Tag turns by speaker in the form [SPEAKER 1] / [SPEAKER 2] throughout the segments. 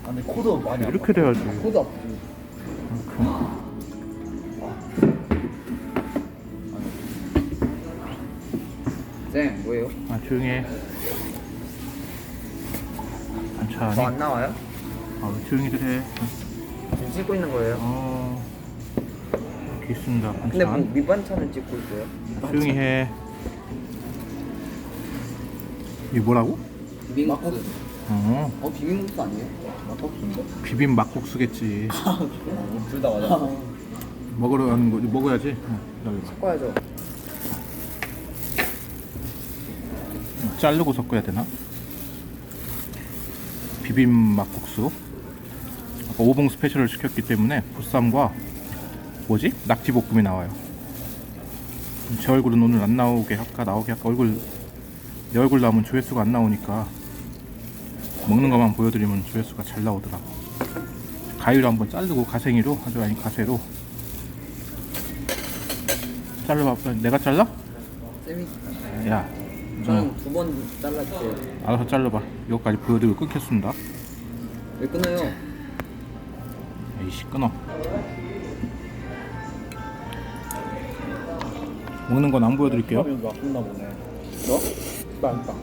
[SPEAKER 1] 아, 근데 코도 많이 아파.
[SPEAKER 2] 이렇게 돼야지.
[SPEAKER 1] 코도 아프지. 쌤, 뭐예요?
[SPEAKER 2] 아, 조용히 해. 반찬이.
[SPEAKER 1] 저 안 나와요?
[SPEAKER 2] 아, 조용히들 해.
[SPEAKER 1] 지금 찍고 있는 거예요?
[SPEAKER 2] 이렇게 있습니다. 반찬.
[SPEAKER 1] 근데 뭐 밑반찬을 찍고 있어요?
[SPEAKER 2] 조용히 해. 이게 뭐라고?
[SPEAKER 1] 비빔국수. 비빔국수 아니에요? 막국수인데?
[SPEAKER 2] 비빔 막국수겠지.
[SPEAKER 1] 둘 다 맞아.
[SPEAKER 2] 먹으러 가는 거 먹어야지. 기다려봐.
[SPEAKER 1] 섞어야죠.
[SPEAKER 2] 자르고 섞어야 되나? 비빔 막국수. 아까 오봉 스페셜을 시켰기 때문에 보쌈과 뭐지? 낙지볶음이 나와요. 제 얼굴은 오늘 안 나오게 할까 나오게 할까 내 얼굴 나오면 조회수가 안 나오니까 먹는 것만 보여드리면 조회수가 잘 나오더라. 가위로 한번 자르고 가생이로 아주 아니 가세로 잘라봐. 내가 잘라?
[SPEAKER 1] 쌤이
[SPEAKER 2] 야,
[SPEAKER 1] 저는 두 번 잘랐어요.
[SPEAKER 2] 알아서 잘라봐. 이거까지 보여드리고 끊겠습니다.
[SPEAKER 1] 왜 끊어요?
[SPEAKER 2] 에이씨 끊어. 먹는 건 안 보여드릴게요.
[SPEAKER 1] 아프나 보네. 너? 빵빵.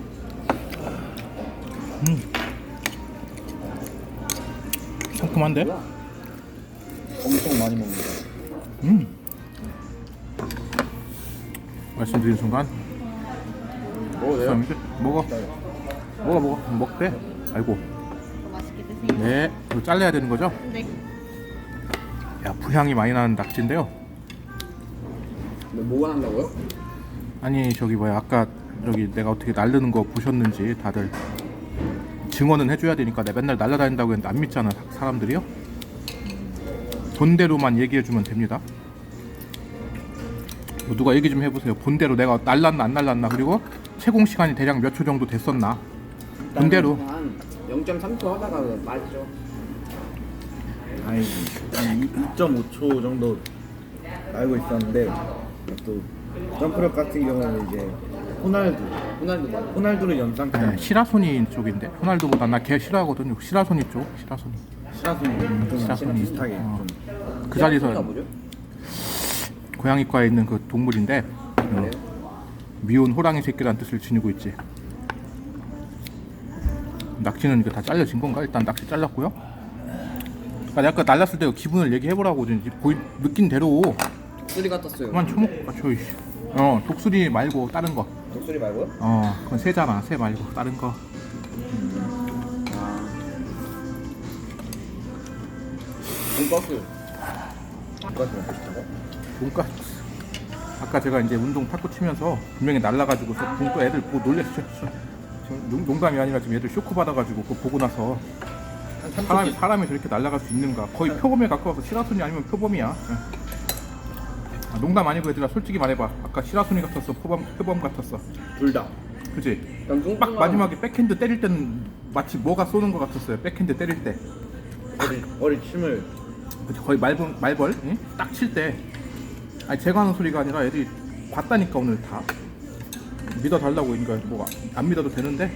[SPEAKER 2] 상큼한데?
[SPEAKER 1] 엄청 많이 먹는다.
[SPEAKER 2] 말씀드린 순간
[SPEAKER 1] 먹어요?
[SPEAKER 2] 먹어. 먹어. 먹대. 아이고.
[SPEAKER 3] 맛있게 드세요.
[SPEAKER 2] 네. 이거 잘라야 되는 거죠?
[SPEAKER 3] 네.
[SPEAKER 2] 야, 부향이 많이 나는 낙지인데요.
[SPEAKER 1] 뭐가 난다고요?
[SPEAKER 2] 아니 저기 뭐야 아까 저기 내가 어떻게 날르는 거 보셨는지 다들 증언은 해줘야 되니까 내가 맨날 날라다닌다고 했는데 안 믿잖아 사람들이요. 본대로만 얘기해주면 됩니다. 누가 얘기 좀 해보세요. 본대로 내가 날랐나 안 날랐나 그리고 채공 시간이 대략 몇 초 정도 됐었나 본대로.
[SPEAKER 1] 한 0.3초 하다가 맞죠.
[SPEAKER 4] 아니 2.5초 정도 알고 있었는데 또 점프력 같은 경우는 이제
[SPEAKER 1] 호날두 맞아.
[SPEAKER 4] 호날두를 연상케
[SPEAKER 2] 시라소니 쪽인데 호날두보다 나 걔 싫어하거든요. 시라소니 쪽. 시라소니
[SPEAKER 4] 시라소니
[SPEAKER 2] 시라소니.
[SPEAKER 4] 비슷하게 좀
[SPEAKER 2] 그 자리에서
[SPEAKER 1] 뭐죠?
[SPEAKER 2] 고양이과에 있는 그 동물인데
[SPEAKER 1] 그래요?
[SPEAKER 2] 미운 호랑이 새끼란 뜻을 지니고 있지. 낙지는 이거 다 잘려진 건가? 일단 낙지 잘랐고요. 아까 내가 날랐을 때 기분을 얘기해보라고 느낀 대로
[SPEAKER 1] 독수리 같았어요.
[SPEAKER 2] 그만 처먹고 저이. 독수리 말고 다른 거.
[SPEAKER 1] 독수리 말고요?
[SPEAKER 2] 그건 새잖아. 새 말고 다른 거.
[SPEAKER 1] 돈가스.
[SPEAKER 4] 돈가스 먹고 싶다고?
[SPEAKER 2] 돈가스. 아까 제가 이제 운동 탁구 치면서 분명히 날라가지고 또 애들 보고 놀랬죠. 농담이 아니라 지금 애들 쇼크 받아가지고 그거 보고 나서 사람이 저렇게 날아갈 수 있는가. 거의 표범에 가까워서 시라소니 아니면 표범이야. 농담 아니고 얘들아 솔직히 말해봐. 아까 시라소니 같았어? 표범 같았어?
[SPEAKER 4] 둘 다.
[SPEAKER 2] 그치? 딱 마지막에 백핸드 때릴 때는 마치 뭐가 쏘는 것 같았어요. 백핸드 때릴 때
[SPEAKER 4] 어리 침을
[SPEAKER 2] 그치? 거의 말벌 응? 딱 칠 때. 아니 제가 하는 소리가 아니라 애들이 봤다니까 오늘 다 믿어달라고. 그러니까 뭐 안 믿어도 되는데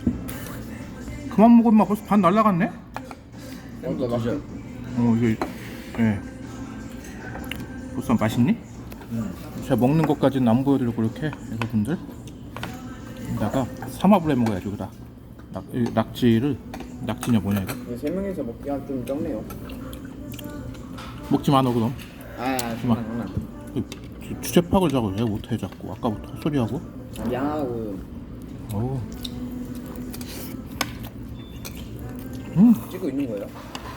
[SPEAKER 2] 그만 먹으면 막 벌써 반 날라갔네?
[SPEAKER 4] 드셔.
[SPEAKER 2] 이게 예. 보쌈 맛있니? 제가 먹는 것까지는 안 보여드리고 이렇게 여러분들 여기다가 삼합을 해 먹어야죠. 그다 낙지냐 뭐냐 이거
[SPEAKER 1] 세 명이서 먹기가 좀 적네요.
[SPEAKER 2] 먹지 마 너 그럼.
[SPEAKER 1] 장난.
[SPEAKER 2] 주제 파악을 자꾸 왜 못해 자꾸 아까부터 헛소리하고.
[SPEAKER 1] 미안하고
[SPEAKER 2] 어우.
[SPEAKER 1] 찍고 있는 거예요?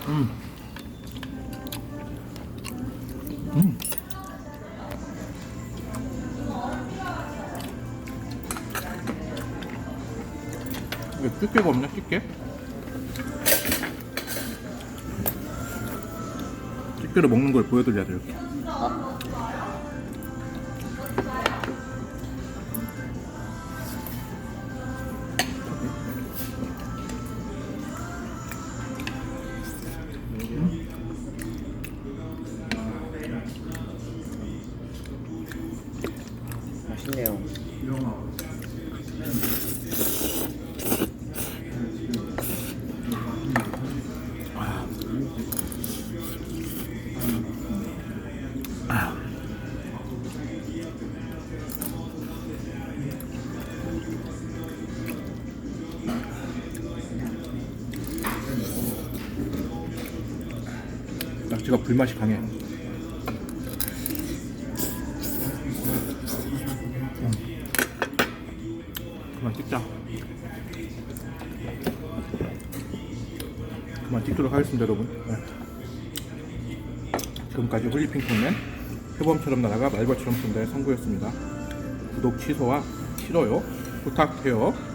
[SPEAKER 2] 이게 집게가 없냐 집게? 집게로 먹는 걸 보여드려야 돼 이렇게.
[SPEAKER 1] 맛있네요.
[SPEAKER 2] 자체가 불맛이 강해. 그만 찍자. 그만 찍도록 하겠습니다, 여러분. 네. 지금까지 홀리핑크맨 표범처럼 날아가 말벌처럼 쏜다의 성구였습니다. 구독 취소와 싫어요 부탁해요.